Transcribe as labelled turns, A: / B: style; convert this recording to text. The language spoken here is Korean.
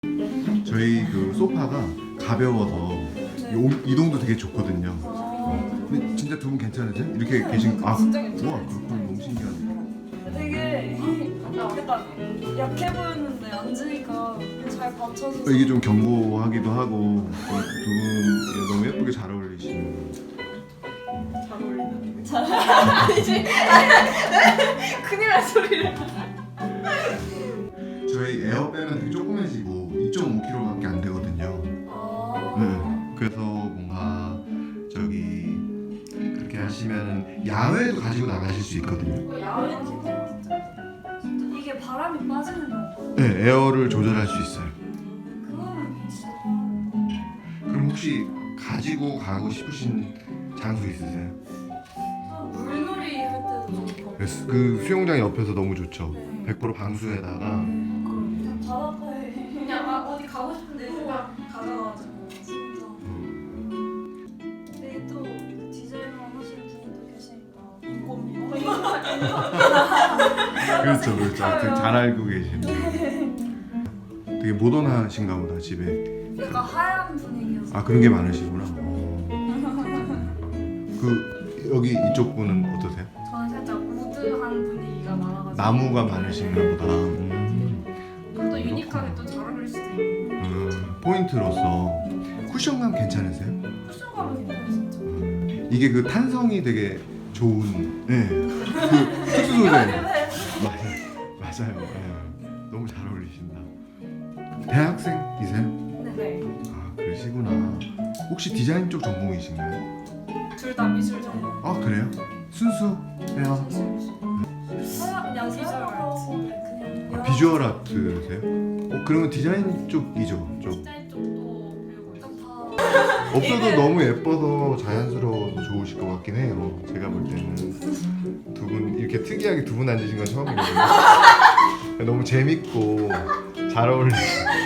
A: 저희 그 소파가 가벼워서 이동도 되게 좋거든요. 근데 진짜 두 분 괜찮으세요? 이렇게 계신
B: 진짜 괜찮아요.
A: 우와 그렇군 너무 신기하네.
B: 되게 약간 약해 보였는데 앉으니까 잘 받쳐줘서
A: 이게 좀 견고하기도 하고 두 분 너무 예쁘게 잘 어울리시는.
B: 잘 어울리는 이제 큰일 날 소리를.
A: 저희 에어백은 되게 조그매지고 2.5kg밖에 안 되거든요. 네. 그래서 뭔가 저기 그렇게 하시면 야외도 가지고 나가실 수 있거든요.
B: 야외는 진짜 이게 바람이 빠지는 거.
A: 네, 에어를 조절할 수 있어요.
B: 그거는 진짜.
A: 그럼 혹시 가지고 가고 싶으신 장소 있으세요?
B: 물놀이 할 때도 좋고.
A: 그 수영장 옆에서 너무 좋죠.
B: 네.
A: 100% 방수에다가
B: 그냥 바닷가에 그냥 어디 가고 싶은데 그냥 가져가가지고 진짜. 근데 또 디자이너 하시는 분도 계시니까 인건비요.
A: 그렇죠, 그렇죠. 되게 잘 알고 계시네. 되게 모던하신가 보다 집에.
B: 약간 하얀 분위기여서.
A: 아 그런 게 많으시구나. 그 여기 이쪽 분은 어떠세요?
B: 저는 살짝 우드한 분위기가 많아가지고.
A: 나무가 많으신가 보다.
B: 그럼 또 유니크하게 또 잘 어울릴 수도 있고.
A: 포인트로서 쿠션감 괜찮으세요?
B: 쿠션감은 괜찮아요 진짜.
A: 이게 그 탄성이 되게 좋은. 네. 그 특수 소재. 맞아요. 네. 너무 잘 어울리신다. 대학생이세요?
B: 네.
A: 아 그러시구나. 혹시 디자인 쪽 전공이신가요?
B: 둘 다 미술 전공.
A: 아 그래요? 순수해요.
B: 그냥 비주얼 아트. 그냥
A: 비주얼 아트세요? 그러면 디자인 쪽이죠. 좀
B: 디자인 쪽도 배우고 있고
A: 없어도 너무 예뻐서 자연스러워서 좋으실 것 같긴 해요. 제가 볼 때는 두 분 이렇게 특이하게 두 분 앉으신 건 처음이거든요. 너무 재밌고 잘 어울리시고